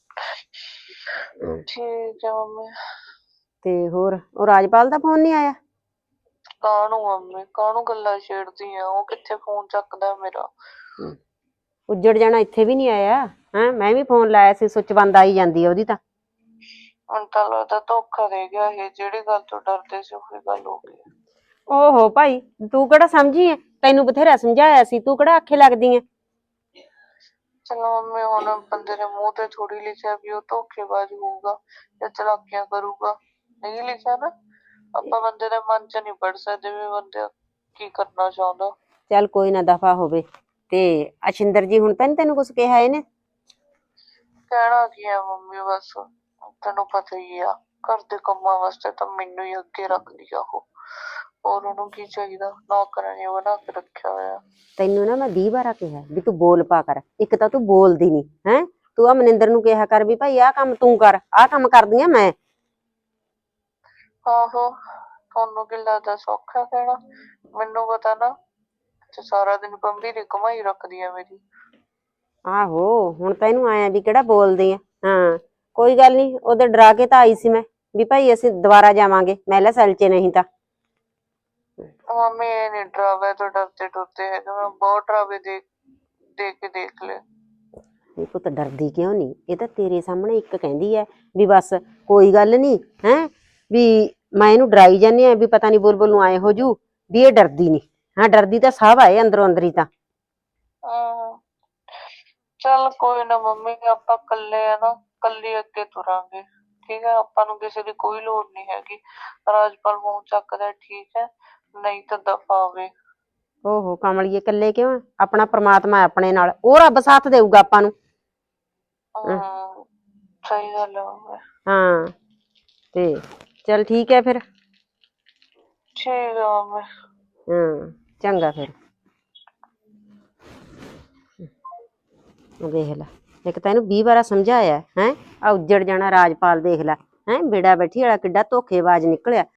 Speaker 8: ਠੀਕ ਹੈ ਮੰਮੀ।
Speaker 9: ਤੇ ਹੋਰ ਉਹ ਰਾਜਪਾਲ ਦਾ ਫੋਨ ਨਹੀਂ ਆਇਆ?
Speaker 8: ਕਾਹਨੂੰ ਮੰਮੀ, ਕਾਹਨੂੰ ਗੱਲਾਂ ਛੇੜਦੀ ਆ, ਉਹ ਕਿੱਥੇ ਫੋਨ ਚੱਕਦਾ ਮੇਰਾ।
Speaker 9: ਉੱਜੜ ਜਾਣਾ, ਇੱਥੇ ਵੀ ਨਹੀਂ ਆਇਆ ਹੈ? ਮੈਂ ਵੀ ਫੋਨ ਲਾਇਆ ਸੀ, ਸੁੱਚ ਬੰਦ ਆਈ ਜਾਂਦੀ ਹੈ ਉਹਦੀ ਤਾਂ।
Speaker 8: ਹੁਣ ਤਾਂ ਲੱਗਦਾ ਧੋਖਾ ਦੇ ਗਿਆ ਇਹ, ਜਿਹੜੀ ਗੱਲ ਤੋਂ ਡਰਦੇ ਸੀ ਉਹੀ ਗੱਲ ਹੋ ਗਈ।
Speaker 9: ਓਹੋ ਭਾਈ, ਤੂੰ ਕਿਹੜਾ ਸਮਝੀ ਹੈ? ਤੈਨੂੰ ਬਥੇਰਾ ਸਮਝਾਇਆ ਸੀ, ਤੂੰ ਕਿਹੜਾ ਆਖੇ ਲੱਗਦੀ ਹੈ?
Speaker 8: ਚਲੋ ਮੰਮੀ, ਹੁਣ ਬੰਦੇ ਦੇ ਮੂੰਹ ਤੇ ਥੋੜੀ ਲਿਖਿਆ ਵੀ ਉਹ ਧੋਖੇਬਾਜ਼ ਹੋਊਗਾ ਜਾਂ ਚਲਾਕੀਆਂ ਕਰੂਗਾ, ਨਹੀਂ ਲਿਖਿਆ ਨਾ। ਆਪਾਂ ਬੰਦੇ ਦੇ ਮਨ ਚ ਨਹੀਂ ਪੜ ਸਕਦੇ ਵੀ ਬੰਦਾ ਕੀ ਕਰਨਾ ਚਾਹੁੰਦਾ।
Speaker 9: ਚੱਲ ਕੋਈ ਨਾ, ਦਫਾ ਹੋਵੇ। ਤੇ ਅਸ਼ਿੰਦਰ ਜੀ ਹੁਣ ਤਾਂ ਨੀ ਤੈਨੂੰ ਕੁਛ ਕਿਹਾ ਇਹਨੇ?
Speaker 8: ਕਹਿਣਾ ਕੀ ਆ ਮੰਮੀ, ਬਸ ਤੈਨੂੰ ਪਤਾ ਹੀ ਆ, ਘਰ ਦੇ ਕੰਮਾਂ ਵਾਸਤੇ ਤਾਂ ਮੈਨੂੰ ਹੀ ਅੱਗੇ ਰੱਖਦੀ ਆ ਉਹ। ਹੋਰ ਉਹਨੂੰ ਕੀ ਚਾਹੀਦਾ, ਨੌਕਰਾਨੀ ਬਣਾ ਕੇ ਰੱਖਿਆ ਹੋਇਆ।
Speaker 9: ਤੈਨੂੰ ਨਾ ਮੈਂ 20 ਵਾਰਾ ਕਿਹਾ ਵੀ ਤੂੰ ਬੋਲ ਪਾ ਕਰ, ਇੱਕ ਤਾਂ ਤੂੰ ਬੋਲਦੀ ਨਹੀਂ ਹੈ। ਤੂੰ ਆ ਮਨਿੰਦਰ ਨੂੰ ਕਿਹਾ ਕਰ ਵੀ ਭਾਈ ਆਹ ਕੰਮ ਤੂੰ ਕਰ, ਆਹ ਕੰਮ ਕਰਦੀ ਆ ਮੈਂ।
Speaker 8: ਆਹੋ, ਤੁਹਾਨੂੰ ਕੀ ਲੱਗਦਾ ਸੌਖਾ ਕਹਿਣਾ? ਮੈਨੂੰ ਪਤਾ ਨਾ, ਸਾਰਾ ਦਿਨ ਗੰਭੀਰ ਕਮਾਈ ਰੱਖਦੀ ਆ ਮੇਰੀ।
Speaker 9: ਆਹੋ, ਹੁਣ ਤਾਂ ਇਹਨੂੰ ਆਇਆ ਵੀ ਕਿਹੜਾ ਬੋਲਦੀ ਆ। ਹਾਂ ਕੋਈ ਗੱਲ ਨਹੀਂ, ਉਹਦੇ ਡਰਾ ਕੇ ਤਾਂ ਆਈ ਸੀ ਮੈਂ ਵੀ ਭਾਈ ਅਸੀਂ ਦੁਬਾਰਾ ਜਾਵਾਂਗੇ, ਮੈਂ ਲੈ ਸੈਲ ਚ, ਨਹੀਂ ਤਾਂ।
Speaker 8: ਮੰਮੀ ਇਹ ਨੀ ਡਰਾਵੇ ਤੋਂ ਡਰਦੇ ਡਰਦੇ ਹੈਗੇ, ਮੈਂ ਬਹੁਤ ਡਰਾਵੇ ਦੇਖ ਲਏ।
Speaker 9: ਇਹ ਪੁੱਤ ਡਰਦੀ ਕਿਉਂ ਨਹੀਂ? ਇਹ ਤਾਂ ਤੇਰੇ ਸਾਹਮਣੇ ਇੱਕ ਕਹਿੰਦੀ ਹੈ ਵੀ ਬਸ ਕੋਈ ਗੱਲ ਨਹੀਂ ਹੈ, ਵੀ ਮੈਂ ਇਹਨੂੰ ਡਰਾਈ ਜਾਂਦੀ ਆ ਵੀ ਪਤਾ ਨਹੀਂ ਬੁਲਬੁਲ ਨੂੰ ਆਏ ਹੋ ਜੂ, ਵੀ ਇਹ ਡਰਦੀ ਨਹੀਂ। ਹਾਂ ਡਰਦੀ ਤਾਂ ਸਭ ਆਏ ਅੰਦਰੋਂ ਅੰਦਰੀ ਤਾਂ।
Speaker 8: ਚੱਲ ਕੋਈ ਨਾ ਮੰਮੀ, ਆਪਾਂ ਇਕੱਲੇ ਆ ਨਾ, ਇਕੱਲੇ ਅੱਗੇ ਤੁਰਾਂਗੇ, ਠੀਕ ਹੈ? ਆਪਾਂ ਨੂੰ ਕਿਸੇ ਦੀ ਕੋਈ ਲੋੜ ਨਹੀਂ ਹੈਗੀ। ਰਾਜਪਾਲ ਮੂੰਹ ਚੱਕਦਾ ਠੀਕ ਹੈ, ਨਹੀਂ ਤਾਂ ਦਫਾ ਆਵੇ।
Speaker 9: ਓਹੋ ਕਮਲੀਏ, ਇਕੱਲੇ ਕਿਉਂ? ਆਪਣਾ ਪ੍ਰਮਾਤਮਾ ਆਪਣੇ ਨਾਲ, ਉਹ ਰੱਬ ਸਾਥ ਦੇਊਗਾ ਆਪਾਂ ਨੂੰ।
Speaker 8: ਸਹੀ ਗੱਲ ਹੈ ਮੰਮੀ।
Speaker 9: ਹਾਂ ਤੇ ਚੱਲ ਠੀਕ ਹੈ ਫਿਰ।
Speaker 8: ਠੀਕ ਹੈ ਮੰਮੀ।
Speaker 9: ਹਾਂ ਚੰਗਾ ਫਿਰ। ਦੇਖ ਲੈ, ਇੱਕ ਤਾਂ ਇਹਨੂੰ 20 ਵਾਰਾ ਸਮਝਾਇਆ ਹੈ ਆ ਉੱਜੜ ਜਾਣਾ ਰਾਜਪਾਲ, ਦੇਖ ਲੈ ਹੈ ਬੇੜਾ ਬੈਠੀ ਵਾਲਾ ਕਿੱਡਾ ਧੋਖੇਬਾਜ਼ ਨਿਕਲਿਆ।